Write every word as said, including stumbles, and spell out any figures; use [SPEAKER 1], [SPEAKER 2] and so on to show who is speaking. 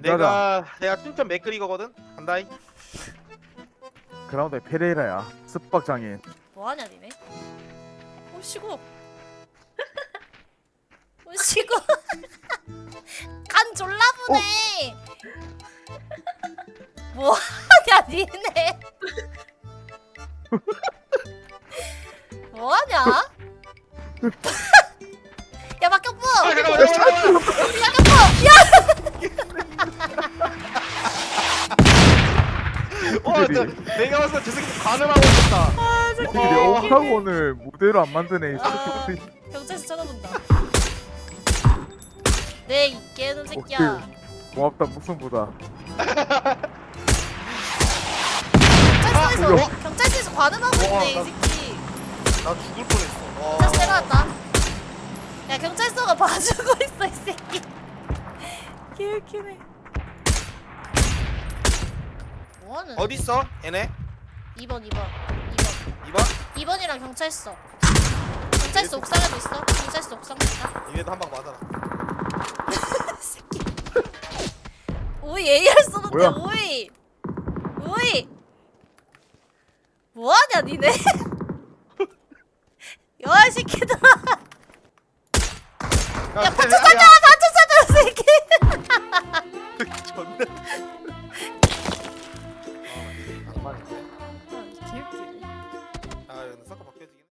[SPEAKER 1] 내가 내가 춘천 맥그리거거든. 간다이.
[SPEAKER 2] 그라운드에 페레이라야. 습박 장인.
[SPEAKER 3] 뭐하냐 니네? 오시고 오시고 간 졸라 보네. 뭐하냐 니네? 뭐하냐? 야 박격부!
[SPEAKER 1] 아, 잠깐만, 잠깐만,
[SPEAKER 3] 박격부!
[SPEAKER 1] 어, 저, 내가 봤을 때 저 새끼 관음하고 있었다.
[SPEAKER 3] 아
[SPEAKER 2] 이 새끼들이
[SPEAKER 1] 어.
[SPEAKER 2] 옥타곤을 무대로 안 만드네. 이
[SPEAKER 3] 아,
[SPEAKER 2] 새끼들이.
[SPEAKER 3] 경찰서 쳐다본다. 네, 이 깨는 새끼야.
[SPEAKER 2] 고맙다 무슨보다.
[SPEAKER 3] 경찰서에서
[SPEAKER 1] 뭐야?
[SPEAKER 3] 경찰서에서 관음하고
[SPEAKER 1] 와,
[SPEAKER 3] 있네 이
[SPEAKER 1] 나-
[SPEAKER 3] 새끼.
[SPEAKER 1] 나 죽을 뻔했어. 와.
[SPEAKER 3] 경찰서 내려왔다. 야 경찰서가 봐주고 있어 이 새끼. 개웃기네. 뭐하는?
[SPEAKER 1] 어디 있어? 얘네?
[SPEAKER 3] 이 번 이 번 이 번
[SPEAKER 1] 이번?
[SPEAKER 3] 이 번이랑 경찰서. 경찰서 옥상에도 있어. 경찰서 옥상도 있다.
[SPEAKER 1] 이에도 한 방 맞아라.
[SPEAKER 3] 새끼. 오이 에이알 쏘는데
[SPEAKER 2] 뭐야?
[SPEAKER 3] 오이. 오이. 뭐하냐 니네? 야이 새끼들아. 야,
[SPEAKER 1] 야,
[SPEAKER 3] 포츠
[SPEAKER 1] 야,
[SPEAKER 3] 던져!
[SPEAKER 1] 야.